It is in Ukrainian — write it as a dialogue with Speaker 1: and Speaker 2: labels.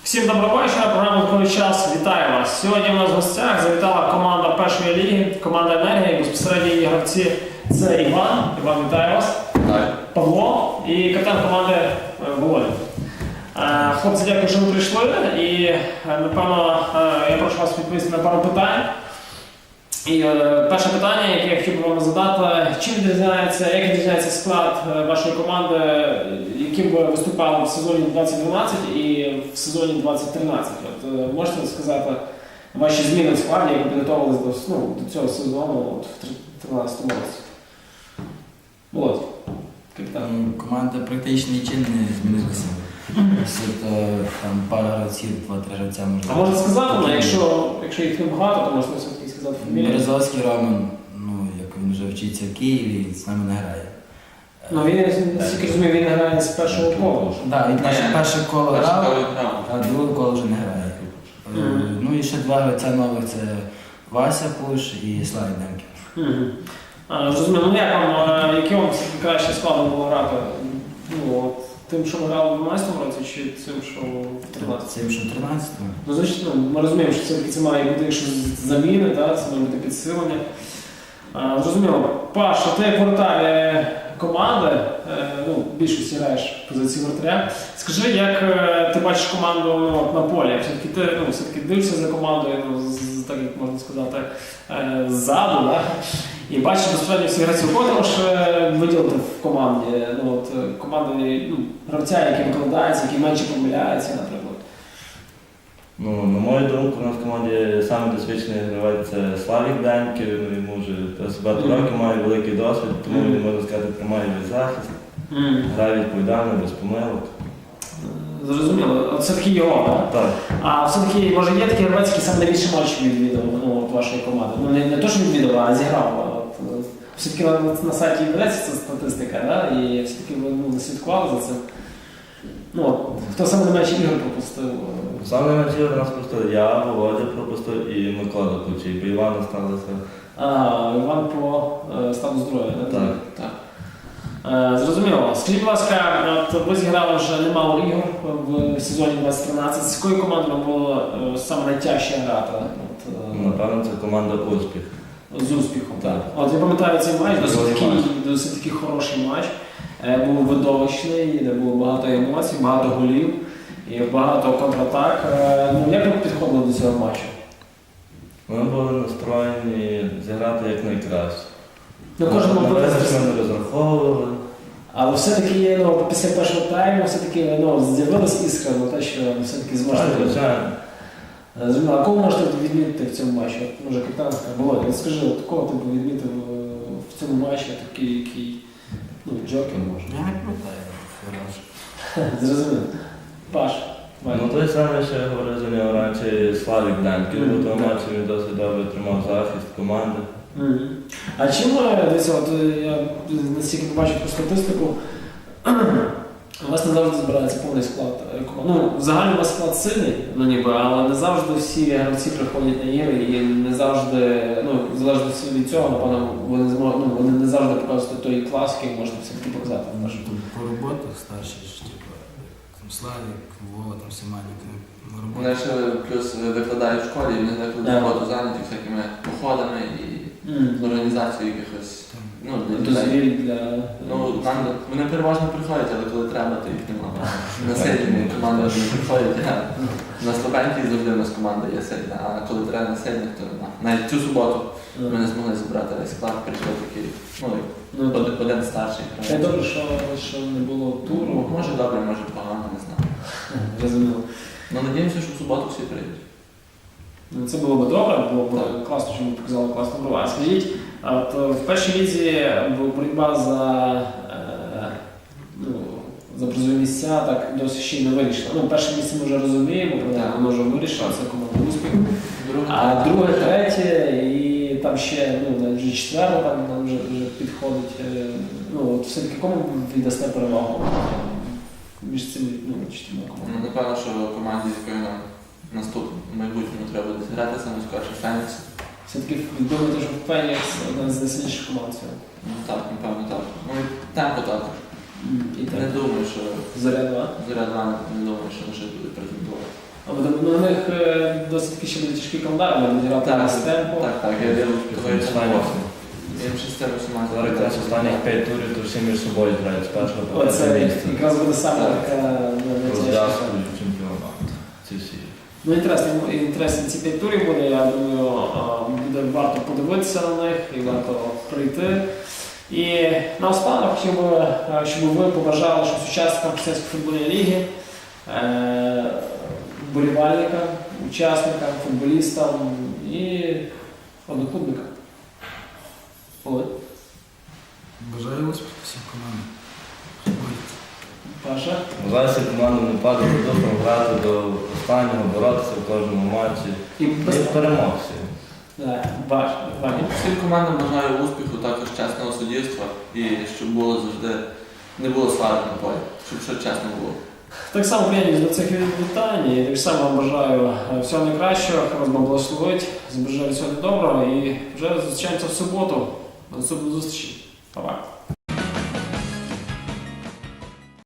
Speaker 1: Всім доброго вечора, програма «Коли час». Вітаю вас! Сьогодні у нас в гостях завітала команда першої ліги, команда «Енергія», безпосередньо її гравці – це Іван. Іван, вітаю вас.
Speaker 2: Вітаю.
Speaker 1: Павло і капітан команди Володя. Хлопці, дякую, що ви прийшли. І, напевно, я прошу вас відповісти на пару питань. І перше питання, яке я хотів би вам задати, чим відрізняється, як відрізняється склад вашої команди, яким ви виступали в сезоні 2012 і в сезоні 2013? От, можете сказати ваші зміни в складі, як ви підготовились до цього сезону в 2013 році? Володь, капітан.
Speaker 2: Команда практично нічим не змінилася. Там пара гравців, 2-3 гравця можна.
Speaker 1: А можна сказати, якщо їх не багато, то можна все-таки сказати фамілію?
Speaker 2: Березовський Роман, як він вже вчиться в Києві, з нами не грає.
Speaker 1: Ну він, наскільки розумію, він грає з першого кола.
Speaker 2: Так, він перше коло грав, а друге коло вже не грає. Ну і ще два гравця нових, це Вася Пуш і Славік Демків.
Speaker 1: Зрозуміло, яким вам краще складно було грати? Тим, що ми грали в 2012 році, чи тим, що в 2013?
Speaker 2: Тим, що в 2013-му.
Speaker 1: Ну, звичайно, ми розуміємо, що це має бути якщо заміни, це має бути підсилення. Зрозуміло. Паш, ти як воротар команди, в більшості граєш в позиції воротаря. Скажи, як ти бачиш команду на полі? Все-таки дивишся за командою, так як можна сказати, ззаду, і бачиш безпосередньо всі гравців. Кого ти можеш виділити в команді? Команди гравця, який викладається, який менше помиляється, наприклад.
Speaker 3: На мою думку, у нас в команді саме досвідчений гравець це Славік Демків, йому вже багато років має великий досвід, тому він, можна сказати, тримає весь захист, грає відповідально, без помилок.
Speaker 1: Зрозуміло. От все-таки його, так?
Speaker 3: Так.
Speaker 1: А все-таки, може, є такі гравець, які саме найбільше матчів відвідав вашої команди? Не то, що відвідав, а зіграв. Все-таки на сайті ведеться ця статистика, і все-таки ви слідкували за цим. Хто саме найменше ігор пропустив?
Speaker 3: Саме найменше ігор нас пропустили я, Володя пропустив і Микола Ключий, бо Іван сталося.
Speaker 1: Іван по стану здоров'я,
Speaker 3: так?
Speaker 1: Так. Зрозуміло. Скажіть, будь ласка, ви зіграли вже немало ігор в сезоні 2013. З якою командою вам було саме найтяжче грати?
Speaker 3: Напевно, це команда «Успіх».
Speaker 1: З успіхом, так. От я пам'ятаю цей матч, досить такий хороший матч. Був видовищний, де було багато емоцій, багато голів і багато контратак. Як ви підходили до цього матчу?
Speaker 3: Ми були настроєні зіграти як найкраще. Ми не розраховували.
Speaker 1: Але все-таки після першого тайму з'явилась іскра на те, що все-таки зможете.
Speaker 3: Звичайно.
Speaker 1: А кого можете відмітити в цьому матчі? Може, капітан Володя, скажи, кого ти б відмітив в цьому матчі, який джокер може?
Speaker 2: Я не пам'ятаю, хороший.
Speaker 1: Зрозуміло. Паш.
Speaker 3: Той самий, що я говорив за нього раніше, Славік Демків, бо того матчі він досить добре тримав захист команди.
Speaker 1: А чим, дивіться, я настільки побачив по статистику, у вас не завжди збирається повний склад команди. Взагалі у вас склад сильний, але не завжди всі гравці приходять на ігри і не завжди, залежно від цього, напевно, вони не завжди показують той клас, який можна все-таки показати.
Speaker 2: По роботах старші, Славік, Вова, Семенник,
Speaker 4: Вони ще плюс викладають в школі, і вони викладають роботу зайняті всякими походами і організацією якихось
Speaker 1: дозвіль для...
Speaker 4: Вони переважно приходять, але коли треба, то їх немає. На сильні команди не приходять, на слабенькій завжди у нас команда є сильна, а коли треба на сильних, то навіть цю суботу ми не змогли зібрати весь склад, прийшов такий, один старший.
Speaker 1: Це добре, що не було туру.
Speaker 4: Може добре, може погано, не знаю.
Speaker 1: Розуміло.
Speaker 4: Надіємося, що в суботу всі прийдуть.
Speaker 1: Це було б добре, було б класно, що ми показали класну гру. А скажіть, в першій лізі боротьба за призові місця так досить ще й не вирішила. Перше місце ми вже розуміємо, воно вже вирішило, це команда «Успіх». А друге, третє і там ще вже четверте там вже підходить. Все-таки кому віддасте перевагу між цими чотирма командами?
Speaker 4: Напевно, що команді, з якою нам наступному майбутньому треба буде зіграти, саме скорше Фенікс.
Speaker 1: Все-таки думаєте, що Фенікс одна з найсильніших команд сьогодні?
Speaker 4: Так, напевно, так. І темпо також. Не думаю, що
Speaker 1: Зоря-2?
Speaker 4: Зоря-2 не думаю, що лише буде претендувати.
Speaker 1: На них досить таки ще буде тяжкий календар, вони будуть грати на Стемпо.
Speaker 4: Так, я вірю, що
Speaker 3: Останніх-
Speaker 4: їм ще з цим усіма.
Speaker 3: Зараз якраз останніх 5 турів, то всі між собою грають з першого по п'яте
Speaker 1: Оце
Speaker 3: місце.
Speaker 1: якраз буде саме
Speaker 4: Так.
Speaker 1: така
Speaker 3: Розв'язку
Speaker 1: найтяжча.
Speaker 3: чемпіонату. Ці всі.
Speaker 1: Ну, інтересно ці 5 турів буде, я думаю, буде варто подивитися на них і варто прийти. І наостанок хотів би, щоб ви побажали щось учасникам Християнської футбольної ліги, вболівальникам, учасникам, футболістам і одноклубникам. Олег,
Speaker 2: Бажаю успіху всім командам.
Speaker 1: Паша.
Speaker 3: Зараз команду не падати до духу, грати до останнього, боротися в кожному матчі.
Speaker 1: І
Speaker 3: І перемог всі.
Speaker 1: Ваня.
Speaker 4: Всім командам бажаю успіху, також чесного суддівства і щоб було завжди, не було сварок на полі, щоб все чесно було.
Speaker 1: Так само приєднуюсь до цих вітань і так само вам бажаю всього найкращого, хай вас Бог благословить, бажаю всього доброго і вже зустрічаємося в суботу. До наступної зустрічі. Па-па.